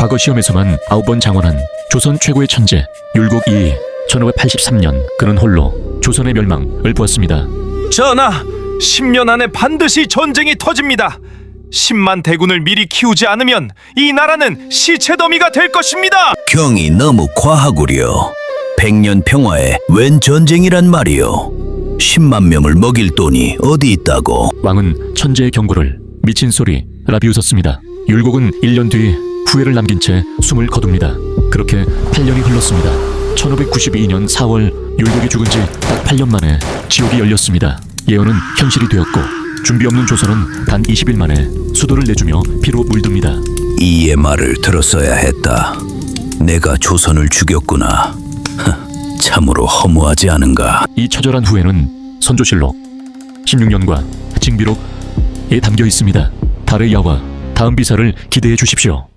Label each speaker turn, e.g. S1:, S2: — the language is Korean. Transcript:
S1: 과거 시험에서만 9번 장원한 조선 최고의 천재 율곡 이 1583년 그는 홀로 조선의 멸망을 보았습니다.
S2: 전하, 10년 안에 반드시 전쟁이 터집니다. 10만 대군을 미리 키우지 않으면 이 나라는 시체 더미가 될 것입니다.
S3: 경이 너무 과하구려. 100년 평화에 웬 전쟁이란 말이오. 10만 명을 먹일 돈이 어디 있다고.
S1: 왕은 천재의 경고를 미친 소리라 비웃었습니다. 율곡은 1년 뒤 후회를 남긴 채 숨을 거둡니다. 그렇게 8년이 흘렀습니다. 1592년 4월 율곡이 죽은 지 딱 8년 만에 지옥이 열렸습니다. 예언은 현실이 되었고 준비 없는 조선은 단 20일 만에 수도를 내주며 피로 물듭니다.
S3: 이의 말을 들었어야 했다. 내가 조선을 죽였구나. 참으로 허무하지 않은가.
S1: 이 처절한 후회는 선조실록 16년과 징비록에 담겨 있습니다. 달의 야와 다음 비사를 기대해 주십시오.